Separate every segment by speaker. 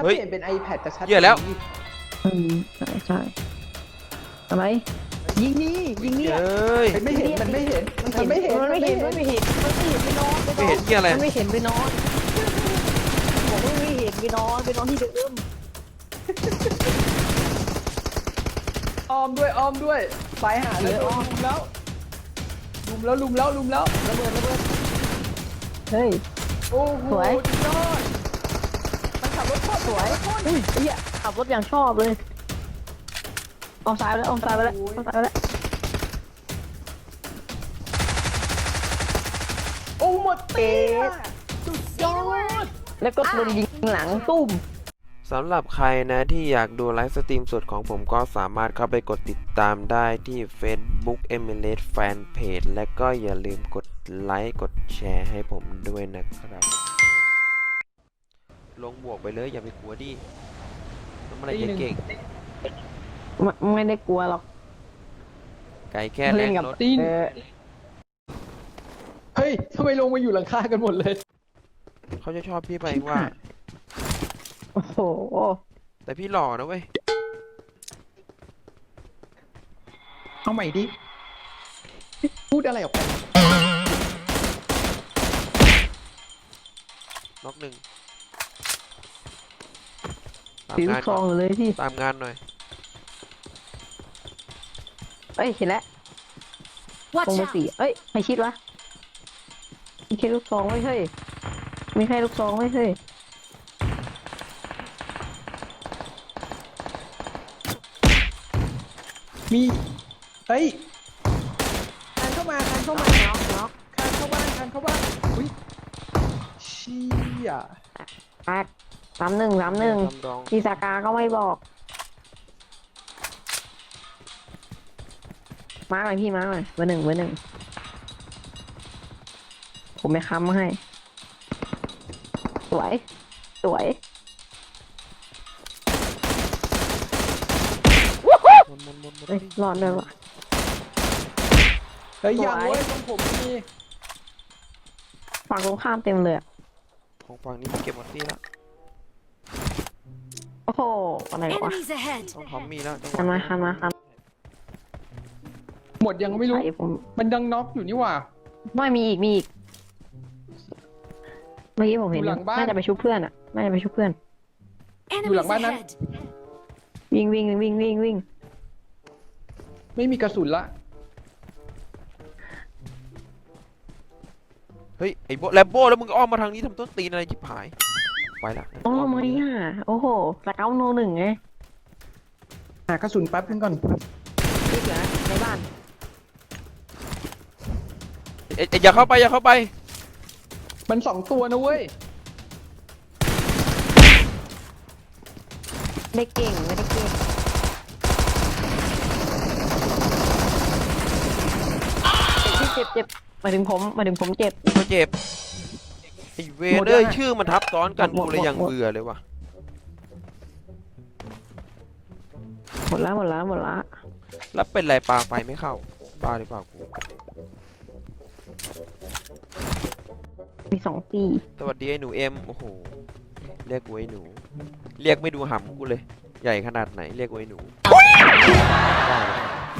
Speaker 1: เปลี่ยนเป็น iPad จะชัด
Speaker 2: เหี้ยแล้ว
Speaker 3: ใช่อะไรยิงนี่ยิงนี่
Speaker 2: เอ้ย
Speaker 1: ไม่เห็นมันไม่เห็นมันไม่เห็น
Speaker 3: มันไม่เห็นมันไม่เห็นมันไม่เห็นไปนอน
Speaker 2: ไม่เห็นเหี้ยอะไร
Speaker 3: มันไม่เห็นไปนอนบอกว่าไม่เห็นไปนอนที่เดิม
Speaker 1: อ้อมด้วยไปหาเลยลุมแล้วระเบิด
Speaker 3: เฮ้ย
Speaker 1: โอ้โห
Speaker 3: สวย
Speaker 1: สุดยอดมันขับรถโคตร
Speaker 3: สวยอุ้ยไอ้เหี้ยขับรถอย่างชอบเลยออกซ้ายไปแล้วออกซ้ายไปแล้ว
Speaker 1: โอ้หมดเป๊ะสุดยอด
Speaker 3: แล้วก็โดนยิงหลังตุ้ม
Speaker 2: สำหรับใครนะที่อยากดูไลฟ์สตรีมสดของผมก็สามารถเข้าไปกดติดตามได้ที่ Facebook Emirates Fanpage และก็อย่าลืมกดไลค์กดแชร์ให้ผมด้วยนะครับ ลงบวกไปเลยอย่าไปกลัวดิต้องอะไรเก่ง
Speaker 3: ไม่ได้กลัวหรอก
Speaker 2: ๆไก่แค่แร
Speaker 3: เล่น
Speaker 2: ง
Speaker 3: กับ
Speaker 2: รถ
Speaker 3: ตีน
Speaker 1: เฮ้ยทำไมลงมาอยู่หลังคากันหมดเลย
Speaker 2: เขาจะชอบพี่ไปว่า
Speaker 3: โอ้โห
Speaker 2: แต่พี่หล่อนะเว้ย
Speaker 1: เอาใหม่ดิพูดอะไรออกไป
Speaker 2: น็อกหนึ่งตาม
Speaker 3: ถือง
Speaker 2: าน
Speaker 3: ซ
Speaker 2: ก่
Speaker 3: อ
Speaker 2: อง น
Speaker 3: เลยพี่
Speaker 2: ตามงานหน่อย
Speaker 3: เอ้ยเห็นแล้วตรงเบอร์สี่เอ้ยใครชิดวะมีแค่ลูกซองไม่ใช่มีแค่ลูกซองไม่ใช่
Speaker 1: มีเฮ้ยคานเข้ามา
Speaker 3: น็อก
Speaker 1: คานเข้าบ้านอุ้ยเชี่ย
Speaker 3: แตก31
Speaker 2: ทำดอง
Speaker 3: พี่สากาก็ไม่บอกมาหน่อยพี่มาหน่อยเบอร์หนึ่งผมไม่ค้ำให้สวย
Speaker 2: หมด
Speaker 3: เฮ้ยรอดด้วยวะ
Speaker 1: เฮ้ย
Speaker 3: สวย
Speaker 1: ยังเว้ยตรงผมมี
Speaker 3: ฝั่งตรงข้ามเต็มเลยอะ
Speaker 2: ของฝั่งนี้เก็บหมดที่แล้ว
Speaker 3: โอ้โหอะไรวะ
Speaker 4: Enemies ahead!
Speaker 2: ต้องพร้อมมีแล้ว
Speaker 3: คันมา
Speaker 1: หมดยังไม่รู้
Speaker 3: ใส่ผม
Speaker 1: มันดังน็อกอยู่นี่หว่า
Speaker 3: ไม่มีอีกเมื่อกี้ผมเห็น
Speaker 1: อยู่หลังบ้าน
Speaker 3: น่าจะไปชุบเพื่อนอะน่าจะไปชุบเพื่อน
Speaker 4: Enemies
Speaker 1: lang ba na?
Speaker 4: ahead!
Speaker 3: วิ่ง
Speaker 1: ไม่มีกระสุนละ
Speaker 2: เฮ้ยไอ้โบแลมโบ้แล้วมึงอ้อมมาทางนี้ทำต้นตีนอะไรจิบหายไปละ
Speaker 3: โอ้ไม่อ่ะโอ้โหสเกาโนหนึ่งไง
Speaker 1: หากระสุนแป๊บนึงก่อน
Speaker 3: นี่เหลือในบ้าน
Speaker 2: อย่าเข้าไป
Speaker 1: มัน2 ตัวนะเว้ย
Speaker 3: ไม่ได้เก่งเจ็บหมายถึงผมเจ็บ
Speaker 2: ก็เจ็บไอ้เว
Speaker 1: หมด
Speaker 2: เอ้ย
Speaker 1: ยังอะ
Speaker 2: ชื่อมันทับซ้อนกัน
Speaker 3: หมด
Speaker 2: กูเลยยัง
Speaker 3: หมด
Speaker 2: เบื่อเลยว่ะ
Speaker 3: หมดละ
Speaker 2: แล้วเป็นไรปลาไฟไม่เข้าบ้าหรือเปล่ากู
Speaker 3: มี2 ตี
Speaker 2: สวัสดีไอ้หนูเอ็มโอ้โหเรียกกูไอ้หนู เรียกไม่ดูหำกูเลย ใหญ่ขนาดไหนเรียกกูไอ้หนูได้เลย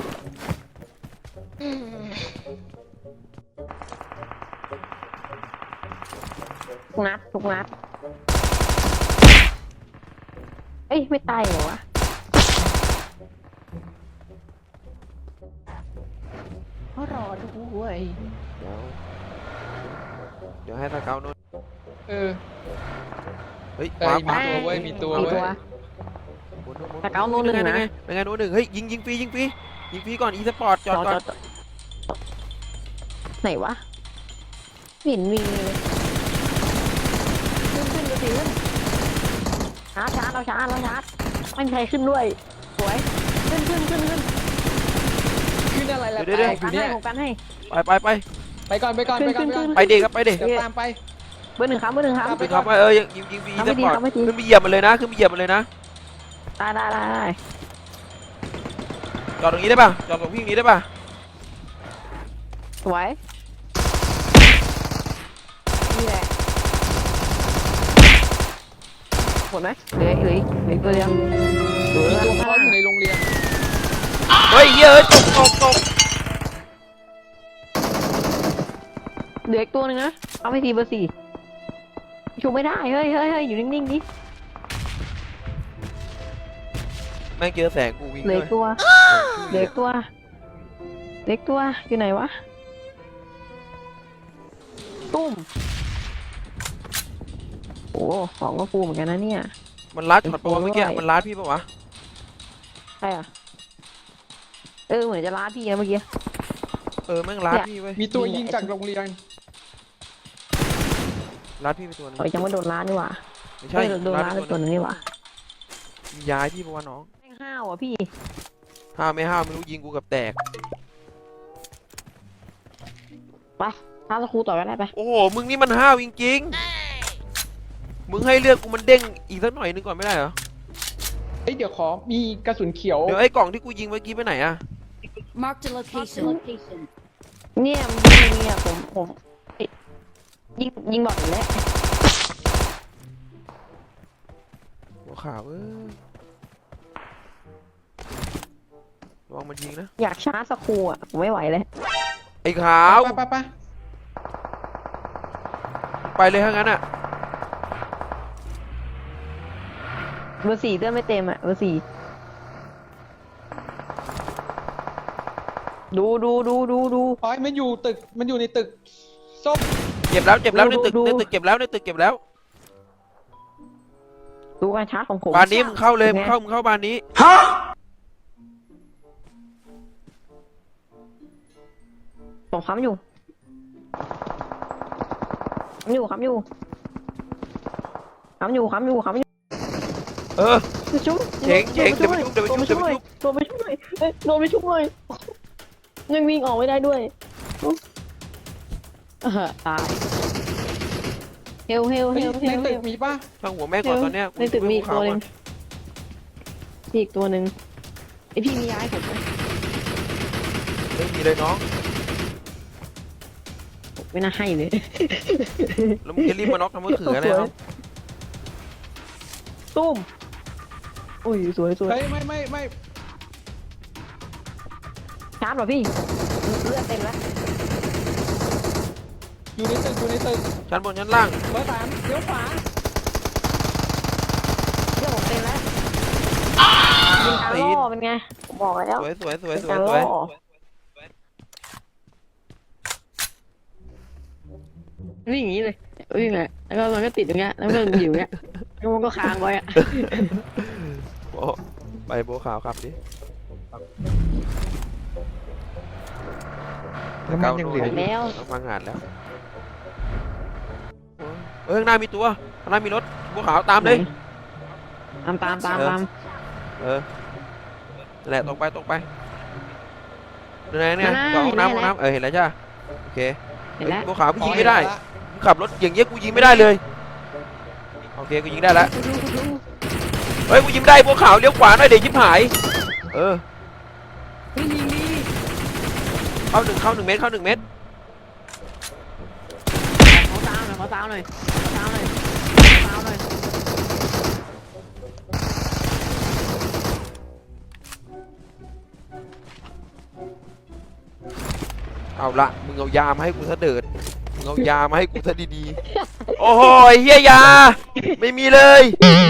Speaker 3: ทุกนัดเอ้ยไม่ตายเหรอวะเขารอด้วย
Speaker 2: เดี๋ยวให้ตะเกาโน่น
Speaker 1: เออ
Speaker 2: เฮ้ย
Speaker 1: เอ้ยมีตัวเว้ย
Speaker 3: ตะเกาโน่นหนึ่งนะ
Speaker 2: เป็นไงโน่นหนึ่งเฮ้ยยิงฟรีก่อนอีสปอร์ตจอดก่อน
Speaker 3: ไหนวะไม่เห็นมีเลยขึ้นดูสิชาร์จเราชาร์จไม่มีใครขึ้นด้วยสวยขึ้น
Speaker 1: ขึ้นอะไรล่ะ
Speaker 2: เดี๋ยว
Speaker 1: แตกอยู่เนี่ย
Speaker 3: ผมกันให้
Speaker 1: ไปก่อน
Speaker 3: ขึ้น
Speaker 2: ไปเด็กครับไปเด็ก
Speaker 1: เดี๋ยวตามไป
Speaker 3: เบอร์หนึ่งครับ
Speaker 1: ไป
Speaker 2: ครับยิงฟรี
Speaker 3: ทำ
Speaker 2: ส
Speaker 3: ไม่ดี
Speaker 2: ปอร์ต
Speaker 3: ทำไม่ดี
Speaker 2: ขึ้นไปเหยียบมันเลยนะ
Speaker 3: ได้
Speaker 2: จอดตรงนี้ได้ป่ะจอดตรงพี่ตรงนี้ได้ป่ะ
Speaker 3: สวยนี่แหละ
Speaker 1: หมด
Speaker 3: ดไหมเหลือตัวเดียว
Speaker 1: มีตัวคอสอยู่ในโรงเรียน
Speaker 2: เฮ้ยเยอะตก
Speaker 3: เหลืออีกตัวหนึงนะเอาไปทีเบอร์สี่ชูไม่ได้เฮ้ยอยู่นิ่งๆดิ
Speaker 2: แม่งเจอแสงกูวิ่ง
Speaker 3: เหลื
Speaker 2: เล
Speaker 3: อย อีกตัวเหลืออีกตัวอยู่ไหนวะตุ้มโอ้ของก็ฟูเหมือนกันนะเนี่ย
Speaker 2: มันลัดช็อตตัวเมื่อกี้มันลัดพี่ปะวะ
Speaker 3: ใช่อ่ะเหมือนจะล้าพี่นะเมื่อกี้
Speaker 2: แม่งลัดพี่เว้ย
Speaker 1: มีตัวยิงจากโรงเรียน
Speaker 2: ลัดพี่ไปตัวนึง
Speaker 3: โอ้ยยังไม่โดนล้านี่หว่า
Speaker 2: ไม่ใช่
Speaker 3: โดนล้าไปตัวหนึงนี่หว่า
Speaker 2: ย้ายพี่ปะวะน้อง
Speaker 3: แม่งห้าวอ่ะพี่
Speaker 2: ห้าวไม่ห้าวไม่รู้ยิงกูกับแตก
Speaker 3: ไปท้าสครูต่อก็ได้ไป
Speaker 2: โอ้โหมึงนี่มันห้าวจริงๆมึงให้เลือดกูมันเด้งอีกสักหน่อยนึงก่อนไม่ได้เหรอ
Speaker 1: เฮ้ยเดี๋ยวขอมีกระสุนเขียว
Speaker 2: เดี๋ยวไอ้กล่องที่กูยิงเมื่อกี้ไปไหนอะ
Speaker 4: Marked a location.
Speaker 3: เนี่ยผมยิงบอกอยู่แล้ว
Speaker 2: หัวขาวระวังมันยิงนะ
Speaker 3: อยากชาร์จสครูอ่ะผมไม่ไหวเลย
Speaker 2: ไอ้ขาว
Speaker 1: ไป
Speaker 2: ไปเลยถ้างั้นอะ
Speaker 3: เบอร์สี่เต้นไม่เต็มอ่ะเบอร์สี่ดู
Speaker 1: อ๋อมันอยู่ตึกมันอยู่ในตึกส้ม
Speaker 2: เจ็บแล้วในตึกเก็บแล้ว
Speaker 3: ดูการชาร์จของผม
Speaker 2: บานนี้มึงเข้าเลยมึงเข้าบานนี้
Speaker 3: ผมค้ำอยู่
Speaker 2: เออ
Speaker 3: ชุบ
Speaker 2: เจ๋งเดี๋ยวไปชุบ
Speaker 3: โดนไปชุบเลยยังวิ่งออกไม่ได้ด้วยตายเฮล
Speaker 1: ในตึกมีป่ะ
Speaker 2: ช่างหัวแม่ก่อนตอนเนี้ย
Speaker 3: ในตึกมีอีกตัวหนึ่งอีกตัวหนึ่งไอพี่มีย้ายผมไหม
Speaker 2: ไม่มีเลยน้อง
Speaker 3: ไม่น่าให้เลย
Speaker 2: แล้วมึงจะรีบมาน็อกทำมือถืออะไรครับ
Speaker 3: ตุ้มอุ้ยสวย
Speaker 1: เฮ้ยไม่
Speaker 3: ชาร์จป่ะพี่เลือดเต็มแล้ว
Speaker 1: อยู่ในตึก
Speaker 2: ชั้นบนชั้นล่าง
Speaker 1: เบอร์สามเลี้ยวขวา
Speaker 3: เลือดผมเต็มแล้วยิงการล่อเป็นไงผมบอกแล้ว
Speaker 2: สวย
Speaker 3: การล่อวิ่งอย่างนี้เลยวิ่งเลยแล้วก็มันก็ติดอย่างเงี้ยแล้วก็อยู่อย่างเงี้ยแล้วมันก็ค้างไว้อะ
Speaker 2: โอ้ไปโบขาวครับดิ
Speaker 1: แล้วมันยังเหลืออยู่
Speaker 3: แล้ว
Speaker 2: ต้องฟังงานแล้วข้างหน้ามีตัวข้างหน้ามีรถโบขาวตามเลย
Speaker 3: ตาม
Speaker 2: เออแหละตรงไปเนี่ยห้องน้ำเห็นแล้วจ้าโอเค
Speaker 3: เห็นแล้ว
Speaker 2: โบขาวกูยิงไม่ได้ขับรถอย่างเงี้ยกูยิงไม่ได้เลยโอเคกูยิงได้แล้วเฮ้ยกูยิงได้โบขาวเลี้ยวขวาหน่อยเดี๋ยวชิบหายเข้า1เมตร
Speaker 3: ขอซาวหน่อย
Speaker 2: เอาละมึงเอายามาให้กูซะเดิดมึงเอายามาให้กูซะดีๆโอ้โหเฮียยาไม่มีเลย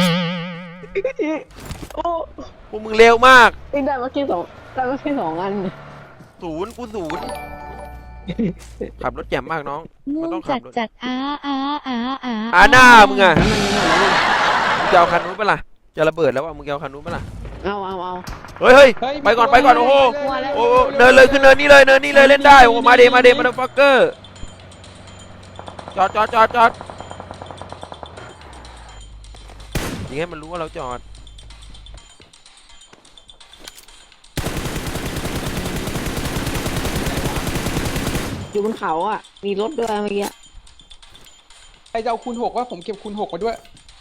Speaker 2: พวกมึงเร็วมาก
Speaker 3: ได้มาแค่สองอัน
Speaker 2: ศูนย์ขับรถแจ่มมากน้องมันต้องขับรถ
Speaker 4: จัด
Speaker 2: หน้ามึงอะมึงจะเอาคันนู้นปะล่ะจะระเบิดแล้วว่ะมึงจะเอาคันนู้นปะล่ะ
Speaker 3: เอา
Speaker 2: เฮ้ยไปก่อนโอ้โหโอ้เนินเลยขึ้นเนินนี้เลยเล่นได้โอ้มาเดมาเดฟักเกอร์จอดยิงให้มันรู้ว่าเราจอด
Speaker 3: อยู่บนเขาอ่ะมีรถด้วยเมื่อกี้
Speaker 1: ไอจะเอาคูณ 6ว่าผมเก็บคูณ 6มาด้วย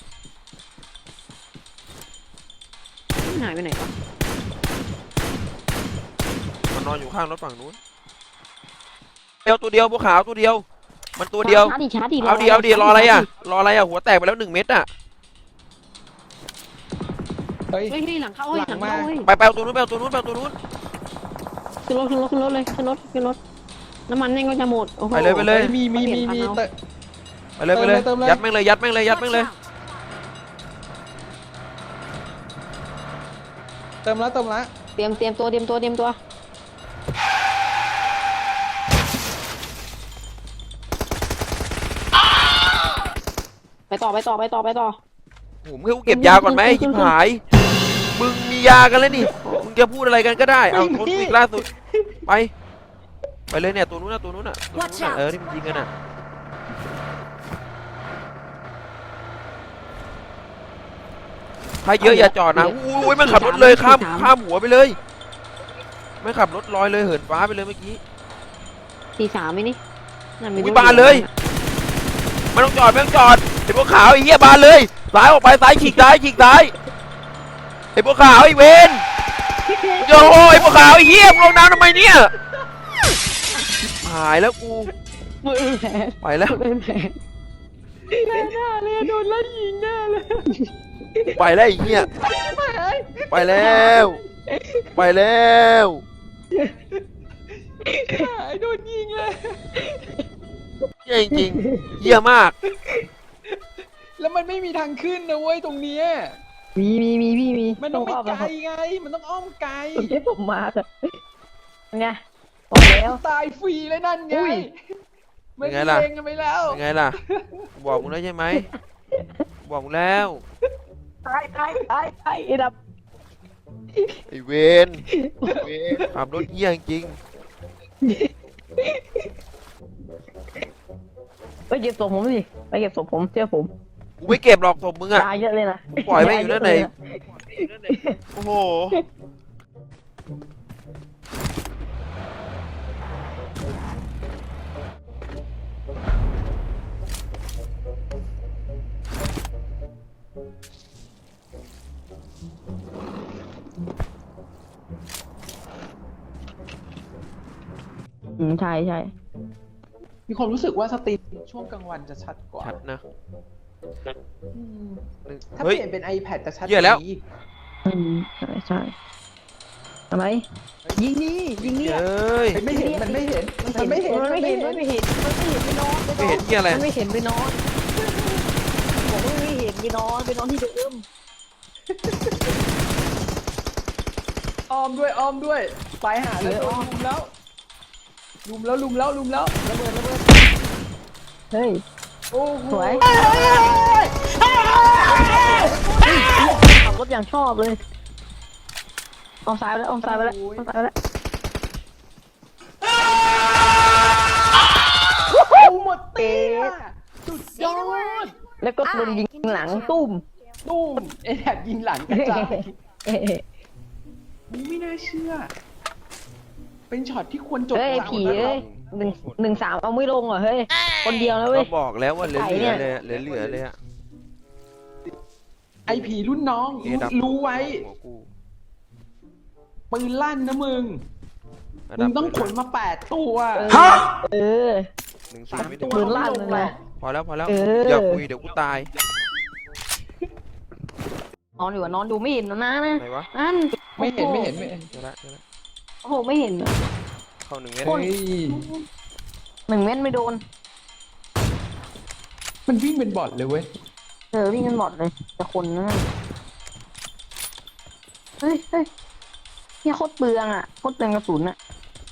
Speaker 3: หายไปไหนวะ
Speaker 2: มันนอนอยู่ข้างรถฝั่งนู้นตัวเดียวบัวขาวตัวเดียวมันตัวเดียว
Speaker 3: ชาร์จดิ
Speaker 2: เอาดีรออะไรอ่ะหัวแตกไปแล้ว1 เม็ดอ่ะ
Speaker 1: ฮ้ย
Speaker 3: เฮ้ยหลังเข้าเฮ้ยหลังเข้าเฮ้ย
Speaker 2: ไปเอาตัวนู้นไปเอาตัวนู้นไปเอาตัวนู้น
Speaker 3: ขึ้นรถเลยขึ้นรถน้ำมันแม่งก็จะหมดโอ้โห
Speaker 2: ไปเลยไปเลย
Speaker 1: มีเตะ
Speaker 2: ไปเลยไปเลย
Speaker 1: เติมเลย
Speaker 2: ยัดแม่งเลยยัดแม่งเลยยัดแม่ง
Speaker 4: Watch
Speaker 2: เลย
Speaker 4: out!
Speaker 1: เติมแล้ว
Speaker 3: เตรียมตัวไปต่อ
Speaker 2: โอ้โหมึงให้กูเก็บยาก่อนไหมไอ้ชิบหาย มึงมียากันแล้วนี่ มึงจะพูดอะไรกันก็ได้ เอาโทนอีกล่าสุด ไปเลยเนี่ยตัวนู้นน่ะตัวนู้นน่ะ
Speaker 4: Watch out
Speaker 2: ที่มันยิงกันน่ะ ถ้าเยอะอย่าจอดนะอุ้ยมันขับรถเลยข้ามหัวไปเลยไม่ขับรถลอยเลยเหินฟ้าไปเลยเมื่อกี้
Speaker 3: 43ไหมนี่นั่นมี
Speaker 2: อุ้ยบานเลยไม่ต้องจอดไอ้พวกขาวไอ้เหี้ยบานเลยซ้ายออกไปซ้ายฉีกซ้ายไอ้พวกขาวไอ้เวนโย่ไอ้พวกขาวไอ้เหี้ยมึงลงน้ำทำไมเนี่ยหายแล้วกู
Speaker 3: มือแผล
Speaker 2: ไปแล้ว
Speaker 3: เป็นแผล
Speaker 1: หน้าเลยโดนไล่ยิงหน้าเลย
Speaker 2: ไปแล้วไอ้เหี้ยไปแล้ว
Speaker 1: โดนยิงเลย
Speaker 2: เหี้ยจริงๆเหี้ยมาก
Speaker 1: แล้วมันไม่มีทางขึ้นนะเว้ยตรงเนี้ย
Speaker 3: มีพี่มี
Speaker 1: มันต้องไป
Speaker 3: อ้อม
Speaker 1: ไกล
Speaker 3: ครับ
Speaker 1: ไงมันต้องอ้อมไกล
Speaker 3: เดี๋ยวผมมาค่ะไงบอกแล้ว
Speaker 1: ตายฟรีเลยนั่นไง
Speaker 3: อุ้ย
Speaker 1: มันเองกันไปแล้ว
Speaker 2: เป็นไงล่ะกูบอกมึงแล้วใช่ไหมกูบอกมึงแล้ว
Speaker 3: ตายไอ้ดับ
Speaker 2: ไอ้เวนขับรถเหี้ยจริง
Speaker 3: ไปเก็บศพผมสิไปเก็บศพผมเชื่อผม
Speaker 2: กูไม่เก็บหรอกศพมึงอะ
Speaker 3: ยาเยอะเลยนะ
Speaker 2: ปล่อยแม่งอยู่นั่นไหน โอ้โห
Speaker 3: ใช่
Speaker 1: มีความรู้สึกว่าสตรีมช่วงกลางวันจะชัดกว่า
Speaker 2: ชัดนะ
Speaker 1: อืมถ้า
Speaker 2: เฮ้ย
Speaker 1: เปลี่ยนเป็น iPad จะชัด
Speaker 2: เหี้ยแล้ว
Speaker 1: กานี้
Speaker 3: ใช่อะไรยิงนี่
Speaker 2: เอ้ย
Speaker 1: ไม่เห็นมันไม่เห็นมันไม่เห็น
Speaker 3: มันไม่เห็นไปนอน
Speaker 2: ไม่เห็นเหี้ยอะไร
Speaker 3: มันไม่เห็นไปนอนบอกว่าไม่เห็นไปนอนที่เดิม
Speaker 1: อ้อมด้วยไปหาเลยลุมแล้วระเบิด
Speaker 3: เฮ้ย
Speaker 1: โอ้โห
Speaker 3: สวย ขับรถอย่างชอบเลยออมซ้ายไปแล้ว
Speaker 1: โอ้หมดเตะสุดยอด
Speaker 3: แล้วก็โดนยิงหลังตุ้ม
Speaker 1: ตุ้มไอ้แถบยิงหลังกระจายไม่น่าเชื่อ เป็นช็อตที่ควรจบ
Speaker 3: เฮ้ย
Speaker 1: หลัง
Speaker 3: ผี
Speaker 1: นะค
Speaker 3: เอ้
Speaker 1: รับ
Speaker 3: ย1-3เอาไม่ลงเหรอเฮ้ยคนเดียวแล้วเว้
Speaker 2: ก็
Speaker 3: ย
Speaker 2: บอกแล้วว่าเหลือ
Speaker 3: ไก่เนี่ย
Speaker 2: เลยอะเหลือเลยอะ
Speaker 1: ไอผีรุ่นน้อง
Speaker 2: เอดับ
Speaker 1: รู้ไว้
Speaker 2: หัวกู
Speaker 1: ปืนลั่นนะมึง
Speaker 2: ระ
Speaker 1: มึ
Speaker 2: ดั
Speaker 1: ง
Speaker 2: บ
Speaker 1: ต้องขนมา8 ตัว
Speaker 3: เออ
Speaker 2: 1-0ไม่ถึง
Speaker 3: ปืนลั่นเลยนะ
Speaker 2: พอแล้ว
Speaker 3: เออ
Speaker 2: อย่าคุยเดี๋ยวกูตาย
Speaker 3: นอนอยู่อะนอนดูไม่เห็นนะ
Speaker 2: ไหนวะ
Speaker 3: นั่น
Speaker 1: ไม่เห็น
Speaker 2: เจอละ
Speaker 3: โอ้โหไม่เห็นอะ
Speaker 2: เข้า1 เมตร
Speaker 1: เฮ้ย
Speaker 3: 1 เม็ดไม่โดน
Speaker 1: มันวิ่งเป็นบอทเลยเว้ย
Speaker 3: วิ่งกันหมดเลยแต่คนนั่นเฮ้ยเนี่ยโคตรเปลืองอ่ะโคตรเปลืองกระสุนอ่ะ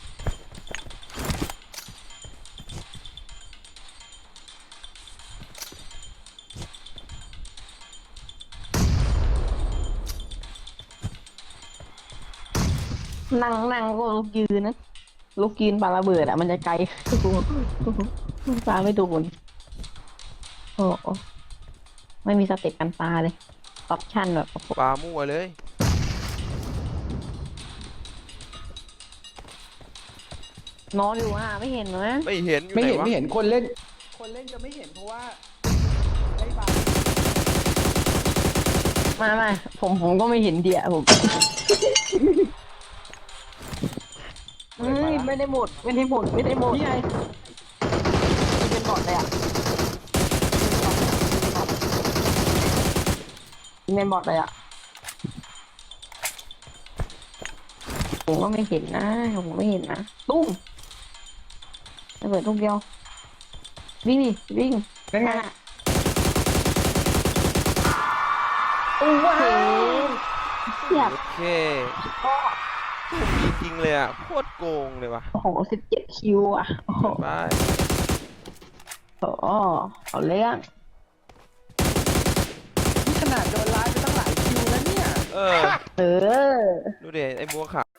Speaker 3: นั่งก็ลุกยืนนะลุกยืนปาระเบิดอ่ะมันจะไกลปาไม่โดนโอ้โหไม่มีสเต็ปกันปาเลยออปชั่นแบบ
Speaker 2: ปลามั่วเลย
Speaker 3: นอนอยู่อ่ะไม่เห็นนะ
Speaker 2: ไม่เห็นอยู่
Speaker 1: ไม่
Speaker 2: ไหน
Speaker 1: เห็น
Speaker 2: วะ
Speaker 1: ไม่เห็นคนเล่น คนเล่นจะไม่เห็นเพราะว่าได้บา
Speaker 3: มาผมก็ไม่เห็นเดียผมไม่ได้หมด
Speaker 1: นี่ไง
Speaker 3: เป็นบอทเลยอ่ะเป็นบอทเลยอ่ะผมก็ไม่เห็นนะผมไม่เห็นนะตุ้มระเบิดลูกเดียววิ่งดิวิ่ง
Speaker 1: เป็นไง
Speaker 3: น่ะโอ้โหเสียบ
Speaker 2: โอเค
Speaker 3: ก็
Speaker 2: จริงๆเลยอ่ะโคตรโกงเลยว่ะ
Speaker 3: โอ้โห17 คิวอ่ะโอ้โห
Speaker 2: ไป
Speaker 3: เอาเรื่อง
Speaker 1: นี่ขนาดโดนไล่ไปตั้งหลายคิวแล้วเนี่ย
Speaker 2: เออ
Speaker 3: เออ
Speaker 2: ดูดิไอ้บัวขาว